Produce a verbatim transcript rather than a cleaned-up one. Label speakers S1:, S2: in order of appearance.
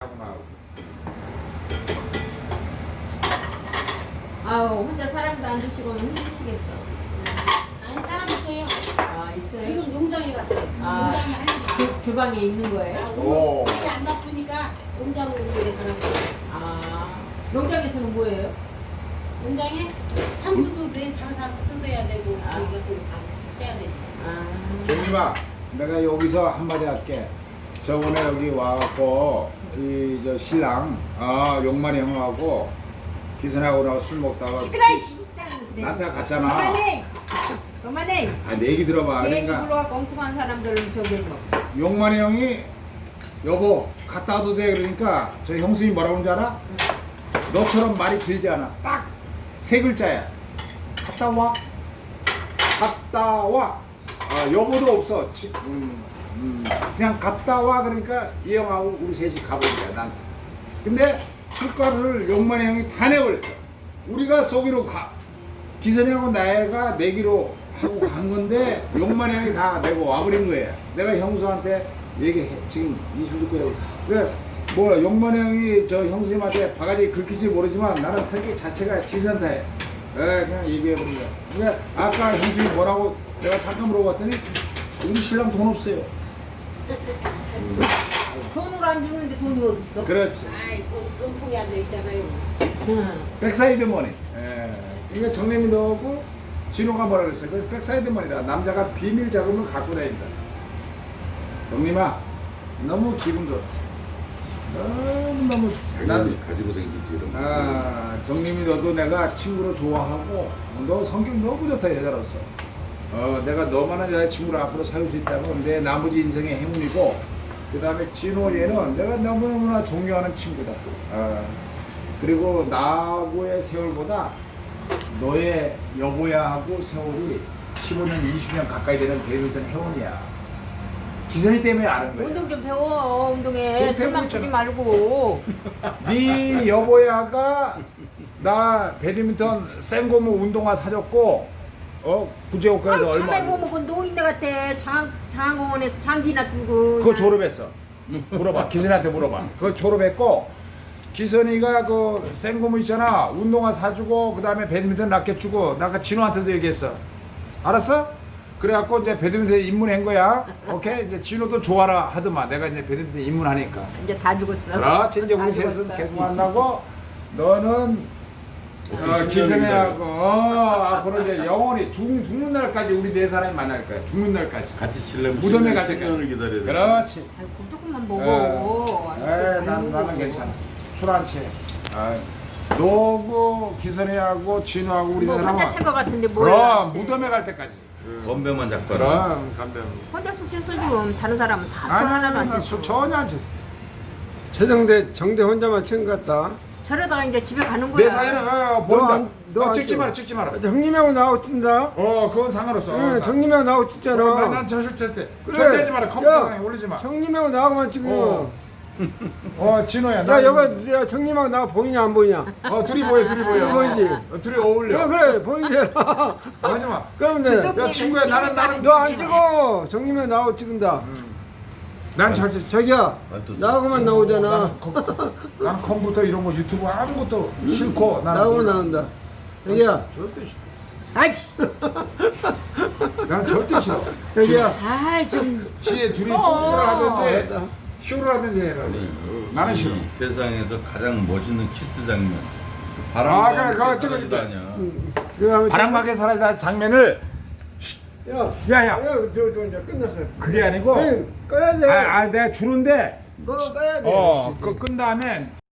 S1: 하고 나하고.
S2: 아우 혼자 사람도 안 드시고는 힘드시겠어.
S3: 아니 사람 있어요.
S2: 아 있어요?
S3: 지금 농장에 갔어요.
S2: 아,
S3: 농장에 할 일이
S2: 주,
S3: 많아서.
S2: 주방에 있는 거예요?
S3: 아,
S1: 오.
S3: 오늘 일이 안 바쁘니까 농장으로 이렇게 가라고.
S2: 아 농장에서는 뭐예요?
S3: 농장에 상추도 내일 장사 뜯어야 되고
S2: 아.
S3: 저희 같은 거다 해야 되니까.
S2: 아
S1: 종님아, 내가 여기서 한마디 할게. 저번에 여기 와갖고 이 저 신랑 아 용만이 형하고 기선하고 나고 술 먹다가 나한테 갔잖아.
S2: 그만해! 그만해!
S1: 아, 내 얘기 들어봐.
S2: 얘기
S1: 그러니까
S2: 불러갖고 엉뚱한 사람들은 저기 뭐
S1: 용만이 형이 여보 갔다 와도 돼 그러니까 저 형수님 뭐라고 하는지 알아? 너처럼 말이 길지 않아. 딱 세 글자야. 갔다 와. 갔다 와. 아, 여보도 없어. 지- 음, 음, 그냥 갔다 와 그러니까 이 형하고 우리 셋이 가버린 거야 난. 근데 술가루를 용만이 형이 다 내버렸어. 우리가 쏘기로 가. 기선이 형은 나이가 내기로 하고 간 건데 용만이 형이 다 내고 와버린 거예요. 내가 형수한테 얘기해. 지금 이술 듣고 해. 그래 뭐 용만이 형이 저 형수님한테 바가지 긁힐지 모르지만 나는 성격 자체가 지선타해. 에 그냥 얘기해버린 거야. 근데 아까 형수님 뭐라고 내가 잠깐 물어봤더니 우리 신랑 돈 없어요.
S2: 돈을 안 주는데 돈이 어딨어?
S1: 그렇지.
S3: 아이 돈, 돈통에 앉아 있잖아요.
S2: 응.
S1: 백사이드 머니. 예. 이게 정림이 너고 진호가 뭐라 그랬어요? 그 백사이드 머니다. 남자가 비밀 자금을 갖고 다닌다. 정림아, 너무 기분 좋다. 너무 너무
S4: 자기는 가지고 다니지 이런 거.
S1: 아, 정림이 너도 내가 친구로 좋아하고 너 성격 너무 좋다 여자로서. 어, 내가 너만한 여자친구를 앞으로 사귈 수 있다면 내 나머지 인생의 행운이고 그 다음에 진호 얘는 내가 너무너무나 존경하는 친구다. 아, 그리고 나하고의 세월보다 너의 여보야하고 세월이 십오 년, 이십 년 가까이 되는 배우던 회원이야. 기선이 때문에 아는 거야.
S2: 운동 좀 배워 운동에
S1: 지금
S2: 술만
S1: 배우고
S2: 쓰지
S1: 있잖아.
S2: 말고
S1: 네 여보야가 나 배드민턴 생고무 운동화 사줬고 어 구제호가에서
S2: 아유
S1: 얼마
S2: 가만히 보면 그 노인네 같아 장, 장공원에서 장기나 두고
S1: 그거 졸업했어. 물어봐. 기선이한테 물어봐. 그거 졸업했고 기선이가 그 생고무 있잖아. 운동화 사주고 그 다음에 배드민턴 라켓 주고 나 아까 진호한테도 얘기했어. 알았어? 그래갖고 이제 배드민턴 입문한 거야. 오케이? 이제 진호도 좋아라 하더만. 내가 이제 배드민턴 입문하니까.
S2: 이제 다 죽었어
S1: 그렇지. 이제
S2: 다
S1: 우리 셋은
S2: 죽었어.
S1: 계속 만나고 너는 어, 기선이하고 어, 앞으로 이제 영원히 죽, 죽는 날까지 우리 네 사람이 만날 거야. 죽는 날까지.
S4: 같이 칠려면
S1: 무덤에 갈
S4: 십 년을
S1: 때까지.
S4: 기다려야 돼.
S1: 그렇지.
S2: 아이고 조금만 먹어
S1: 에, 난, 나는 괜찮아. 술 한 채. 아, 너고 기선이하고 진우하고 우리
S2: 뭐
S1: 사람은
S2: 혼자 친거 같은데 뭘
S1: 그럼 무덤에 갈 때까지.
S4: 건배만 잡고 하라.
S1: 그럼 담배.
S2: 혼자 술 취했어 지금 다른 사람은 다 술 하나도 안
S1: 아니,
S2: 취했어
S1: 술 전혀 안 쳤어.
S5: 최정대 정대 혼자만 친 것 같다.
S2: 저러다가 이제 집에 가는 거야
S1: 내 사연은 어, 보인다.
S5: 안- 너
S1: 어,
S5: 안
S1: 찍지
S5: 찍어.
S1: 마라, 찍지 마라.
S5: 형님하고 나하고 친다.
S1: 어, 그건 상관없어. 어,
S5: 응,
S1: 나-
S5: 형님하고 나하고
S1: 어,
S5: 찍잖아.
S1: 난 저술 쳤대.
S5: 그래.
S1: 절대 하지 마라. 컴퓨터에
S5: 야,
S1: 올리지 마.
S5: 형님하고 나하고만 찍어.
S1: 어. 어, 진호야.
S5: 야, 여봐, 야, 형님하고 나 보이냐 안 보이냐?
S1: 어, 둘이 보여, 둘이 보여.
S5: 보이지?
S1: 어, 둘이 어울려.
S5: 야, 그래, 보이잖아.
S1: 어, 하지 마.
S5: 그러면 돼.
S1: 야, 친구야, 나는 나는.
S5: 너 안
S1: 찍지 마.
S5: 찍어. 형님하고 나하고 찍은다.
S1: 난 잘 찍.
S5: 저기야,
S4: 아, 또
S5: 나하고만 나오잖아.
S1: 나는, 컴, 나는 컴퓨터 이런 거 유튜브 아무것도 싫고 나는
S5: 나하고 나온다. 여기야,
S1: 절대 싫어.
S2: 아이씨
S1: 나는 절대 싫어.
S5: 여기야.
S2: 아이 좀
S1: 지에 둘이
S2: 어.
S1: 뽀뽀를 하든지
S5: 알았다.
S1: 쇼를 하든지 해라.
S4: 아니,
S1: 나는 싫어.
S4: 이 세상에서 가장 멋있는 키스 장면.
S1: 아,
S4: 바람
S1: 그래, 그거 찍어줄게.
S4: 아니야.
S5: 그거 하면
S1: 바람막에 살아있다 장면을
S5: 야,
S1: 야야
S5: 야, 저, 저 이제 끝났어.
S1: 그게 아니고
S5: 응, 꺼야 돼.
S1: 아, 아 내가 주는데
S5: 너 꺼야 돼.
S1: 어 그거 끈 다음에